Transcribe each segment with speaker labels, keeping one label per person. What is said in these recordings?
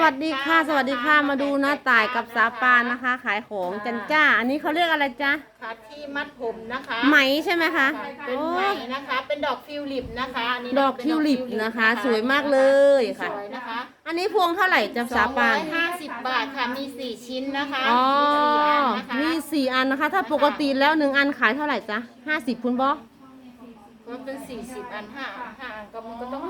Speaker 1: วัสดีค่ะสวัสดีค่ะมาดูน้าต่ายกับสาปานนะคะ ขายของจันจ้าอันนี้เขาเรียกอะไรจ๊ะ
Speaker 2: ค่ะที่มัดผมนะคะ
Speaker 1: ไหมใช่ไหมคะ
Speaker 2: เป็นไหมนะคะเป็นดอกทิวลิปนะคะอันนี้
Speaker 1: ดอกทิวลิปนะคะ สวยมากเลย ค่ะ
Speaker 2: สวยนะคะ
Speaker 1: อันนี้พวงเท่าไหร่จ๊ะสาปาน
Speaker 2: 250 บาทค่ะมี4 ชิ้นนะคะ
Speaker 1: อ๋อ
Speaker 2: มี4 อันนะคะ
Speaker 1: มี4 อันนะคะ ถ้าปกติแล้ว1 อันขายเท่าไหร่จ๊ะ50คุณบอ
Speaker 2: มันเป็น40 อัน5 อันก็มันก็ต้อง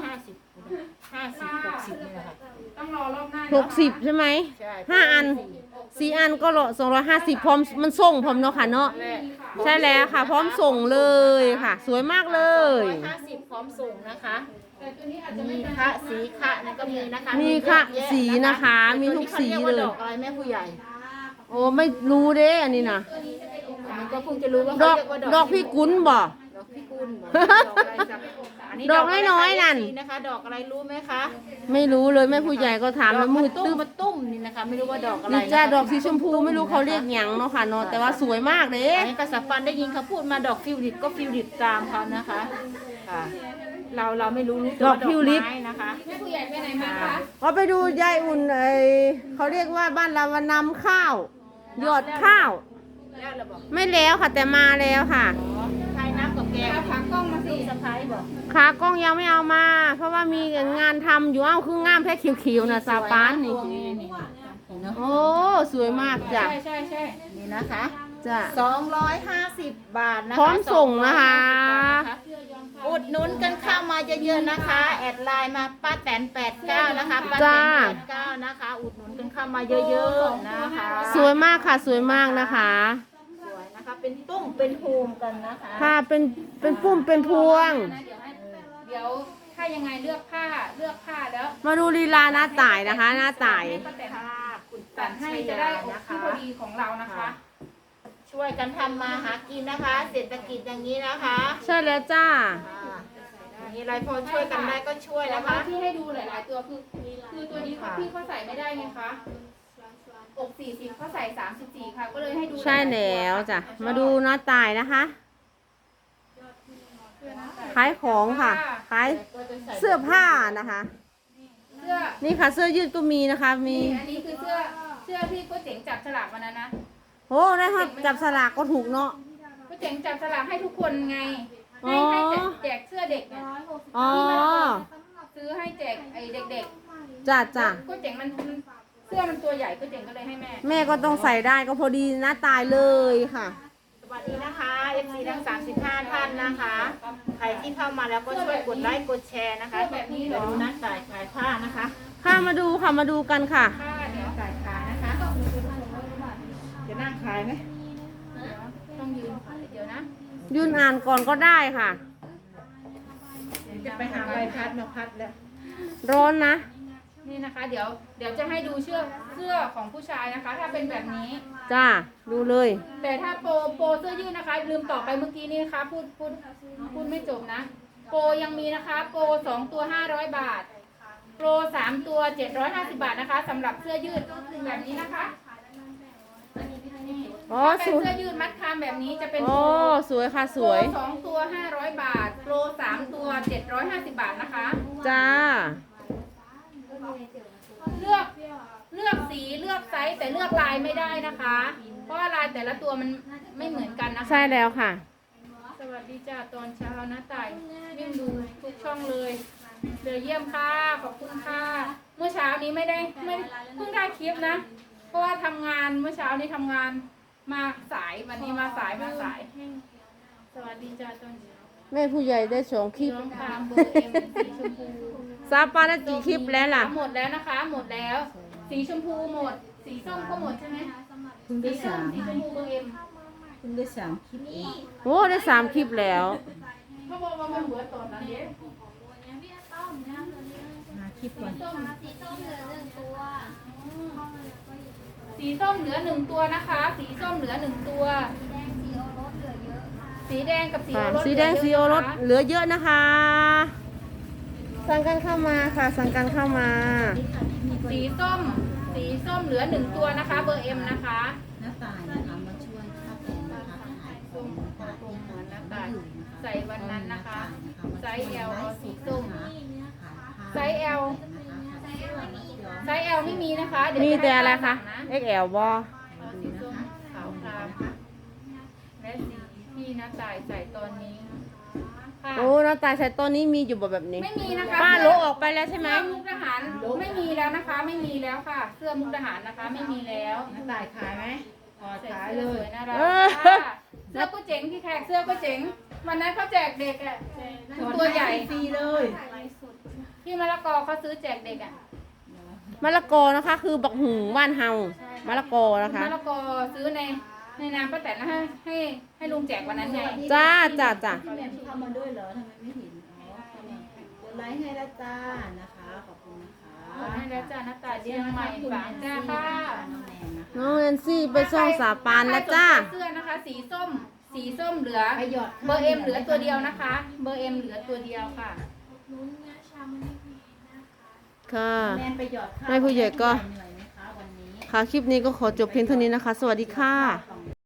Speaker 2: 50 60นี่แหละค่ะ
Speaker 3: ต้องรอรอบหน้า
Speaker 1: 60ใช่ไหม
Speaker 2: ใช่
Speaker 1: 5 อัน4 อันก็250พร้อมมันส่งพร้อมเนาะค่ะเนาะใช่แล้วค่ะ พร้อมส่งเลยค่ะ สวยมากเลย
Speaker 2: 250พร้อมส่งนะคะมีคะสีคะนี่ก็มีนะคะ
Speaker 1: มีค่ะสีนะคะมีทุกสีเลย
Speaker 2: ดอกอะไรแม่ผู้ใหญ่
Speaker 1: โอ้ไม่รู้เด้อันนี้นะ
Speaker 2: มันก็เพิ่งจะรู้ว่า
Speaker 1: ดอก
Speaker 2: เขาเรียกว่า
Speaker 1: ดอกพี่กุลบ่
Speaker 2: ดอกพิกุลดอกอะไรสัก
Speaker 1: ดอกน้อยๆนั่น
Speaker 2: นะคะดอกอะไรรู้ไหมคะ
Speaker 1: ไม่รู้เลยแม่ผู้ใหญ่ก็ถามแล้วมือตื้อ
Speaker 2: มาตุ้มนี่นะคะไม่รู้ว่าดอกอะไร
Speaker 1: นี่จ้าดอกสีชมพูไม่รู้เขาเรียกหยังเนาะค่ะเนาะแต่ว่าสวยมากเลย
Speaker 2: อันนี้กษัตริย์ปันได้ยินเขาพูดมาดอกฟิวลิปก็ฟิวลิปตามเขานะคะค่ะเราไม่รู้
Speaker 1: ดอกฟิวลิป
Speaker 2: นะคะ
Speaker 3: แม่ผู้ใหญ่ไปไหนมาคะ
Speaker 1: ก็ไปดูยายอุ่นเขาเรียกว่าบ้านเราวันนำข้าวหยอดข้าว
Speaker 2: แล้วเราบอก
Speaker 1: ไม่แล้วค่ะแต่มาแล้วค่ะ
Speaker 2: ใครน้ำกับแก
Speaker 3: เอาขากล้องมาสิ
Speaker 2: สะพ้ายบอก
Speaker 1: ขากล้องยังไม่เอามา เพราะว่ามีงานทำอยู่คืองามแค่คิวๆนะซาปานนี่โอ้สวยมากจ้ะ
Speaker 3: ใช่
Speaker 2: นี่นะคะ
Speaker 1: จ้ะ
Speaker 2: 250 บาทนะคะ
Speaker 1: พร้อมส่งนะคะ
Speaker 2: อุดหนุนกันเข้ามาเยอะๆนะคะแอดไลน์มาป้าแตน89นะคะป้าแตน89นะคะอุดหนุนกันเข้ามาเยอะๆนะคะ
Speaker 1: สวยมากค่ะสวยมากนะคะ
Speaker 2: สวยนะคะเป็นตุ้งเป็นโฮมกันนะคะ
Speaker 1: ค่ะเป็นปุ้มเป็นพวง
Speaker 3: เดี๋ยวถ้ายังไงเลือกผ้าแล้ว
Speaker 1: มาดูลีลาหน้าต่ายนะคะหน้าต่าย
Speaker 2: คุณ
Speaker 3: ตัดให้จะได้ที่พอดีของเรานะคะ
Speaker 2: ช่วยกันทำมาหากินนะคะเศรษฐกิจอย่างนี้นะคะ
Speaker 1: ใช่แล้วจ้า
Speaker 2: มีอะไรพอช่วยกันได้ก็ช่วยนะคะ
Speaker 3: ที่ให้ดูหลายๆตัวคือตัวนี้พี่เขาใส่ไม่ได้ไงคะอก40เขาใส่34ค่ะก็เลยให้ดู
Speaker 1: ใช่แล้วจ้ะมาดูหน้าต่ายนะคะขายของค่ะขายเสื้อผ้านะคะนี่ค่ะเสื้อยืดก็มีนะคะมี
Speaker 3: อันนี้คือเสื้อที่ก็เจ๋งจับฉลากวันนั้นนะ
Speaker 1: โอ้ได้ครับจับสลากก็ถูกเนาะ
Speaker 3: ก็เจ๋งจับสลากให้ทุกคนไงให้แจกเสื้อเด็กเนี่ยที่มันซื้อให้แจกไอ้เด็ก
Speaker 1: ๆจ้ะ
Speaker 3: ก็เจ๋งมันเสื้อมันตัวใหญ่ก็เจ๋งก็เลยให้แม่
Speaker 1: ก็ต้องใส่ได้ก็พอดีหน้าตายเลยค่ะ
Speaker 2: สวัสดีนะคะ FC ทั้ง35 ท่านนะคะใครที่เข้ามาแล้วก็ช่วยกดไลค์กดแชร์นะคะแบบนี้เดี๋ยวดูนัดจ่ายขายผ้านะคะ
Speaker 1: ค่ะมาดูค่ะมาดูกันค่ะ
Speaker 3: เดี๋ยวจ่ายขายนะคะ
Speaker 2: จะนั่งขายไหม
Speaker 3: ต้องยืนเดี๋ยวนะ
Speaker 1: ยืนอ่านก่อนก็ได้ค่ะ
Speaker 2: จะไปหาใบพัดมาพัดแล้ว
Speaker 1: ร้อนนะ
Speaker 3: นี่นะคะเดี๋ยวจะให้ดูเสื้อของผู้ชายนะคะถ้าเป็นแบบนี้
Speaker 1: จ้าดูเลย
Speaker 3: แต่ถ้าโปรเสื้อยืดนะคะลืมต่อไปเมื่อกี้นี้นะคะพูดไม่จบนะโปรยังมีนะคะโปร2 ตัว500 บาทโปร3 ตัว750 บาทนะคะสำหรับเสื้อยืดแบบนี้นะคะ
Speaker 1: อ๋อ
Speaker 3: เป็นเสื้อยืดมัดคามแบบนี้จะเป็น
Speaker 1: สวยค่ะสวย
Speaker 3: โปร2 ตัว500 บาทโปร3 ตัว750 บาทนะคะ
Speaker 1: จ้า
Speaker 3: เลือกสีเลือกไซส์แต่เลือกลายไม่ได้นะคะเพราะว่าลายแต่ละตัวมันไม่เหมือนกันนะคะ
Speaker 1: ใช่แล้วค่ะ
Speaker 3: สวัสดีจ้าตอนเช้านะต่ายวิ่งดูทุกช่องเลยเดี๋ยวเยี่ยมค่ะขอบคุณค่ะเมื่อเช้านี้ไม่เพิ่งได้คลิปนะเพราะว่าทำงานเมื่อเช้านี้ทำงานมาสายวันนี้มาสายสวัสดีจ้าตอนเช้า
Speaker 1: แม่ผู้ใหญ่ได้2 คลิปซาปาได้กี่คลิปแล้วล่ะ
Speaker 3: หมดแล้วนะคะหมดแล้วสีชมพูหมดสีส้มก็หมดใช่ไหมสีส้มสีชมพูเบอร์เอ็ม
Speaker 2: คุณได้3 คลิป
Speaker 1: โอ้ได้3 คลิปแล้ว
Speaker 3: เขาบอกว่ามันหัวตอนนั้นเด้
Speaker 2: มาคลิปก่อน
Speaker 3: สีส้มเหลือ1 ตัวสีส้มเหลือ1 ตัวนะคะสีส้มเหลือ1 ตัวสีแดงกับสีโอรส
Speaker 1: สีแดงสีโอรสเหลือเยอะนะคะสั่งกันเข้ามาค่ะสั่งกันเข้ามา
Speaker 3: สีส้มเหลือ1 ตัวนะคะเบอร์เอ็มนะคะ
Speaker 2: น้าตายนะคะมาช่วยข้าวแกงนะคะ
Speaker 3: ส้มเหมือนน้าตายใส่วันนั้นนะคะไซส์ L เอาสีส้มไซส์ L ไไซส์ L ไม่มีนะคะเดี๋ยว
Speaker 1: มี
Speaker 3: จ
Speaker 1: แต่
Speaker 3: ให้
Speaker 1: อะไร
Speaker 3: ป้า
Speaker 1: คะ
Speaker 3: สั่งน
Speaker 1: XL บ่
Speaker 3: สีส้มขาวครามและสีที่น้าต่ายใส่ตอนนี้ค่ะ
Speaker 1: โอ้น้าตายใส่ต้นนี้มีอยู่แบบนี้
Speaker 3: ไม่มีนะคะ
Speaker 1: ป้าโลออกไปแล้วใช่ไหม
Speaker 3: เสื้อมุกทหารไม่มีแล้วนะคะ ไม่มีแล้วค่ะ เสื้อมุกทหารนะคะ ไม่มีแล้ว
Speaker 2: น้าต่ายขายไหม
Speaker 3: ใส่
Speaker 2: ขาย
Speaker 3: เสื้
Speaker 2: เล
Speaker 3: อส
Speaker 2: ย
Speaker 3: วยน่ารักค่ะเสื้อก็เจ๋งพี่แขกเสื้อก็เจ๋งวันนั้นเขาแจกเด็กอ่ะตัวใหญ่
Speaker 2: ฟรีเลย
Speaker 3: พี่มะละกอเขาซื้อแจกเด็กอ่ะ
Speaker 1: มะละกอนะคะ คือบักหุงบ้านเฮามะละกอนะคะ
Speaker 3: มะละกอซื้อในนามป้าแตนแล้วให้ลุงแจกวันนั้นไง
Speaker 1: จ้า
Speaker 2: พี่แหม่มเข้ามาด้วยเหรอทำไมไม่เห็นอ๋อกดไลค์ให้ละจ้านะคะขอบคุณนะคะ
Speaker 3: ให้แล้วจ้าน้าตายเชียงใหม่ฝางจ้าค่ะ
Speaker 2: น้องแนนนะคะ
Speaker 1: น้องแอนซี่ไปส่องสาปานแล้วจ้า
Speaker 3: เสื้อนะคะ สีส้มเหลือ
Speaker 2: ไปหยอด
Speaker 3: เบอร์เอ็มเหลือตัวเดียวนะคะ เบอร์เอ็มเหลือตัวเดียวค่ะ
Speaker 1: ค่ะ
Speaker 2: แนนไปหยอดข้าว
Speaker 1: ให้ผู้ใหญ่ก็
Speaker 2: เหนื่อยไหมคะวันนี้
Speaker 1: ค่ะ คลิปนี้ก็ขอจบเพียงเท่านี้นะคะ สวัสดีค่ะ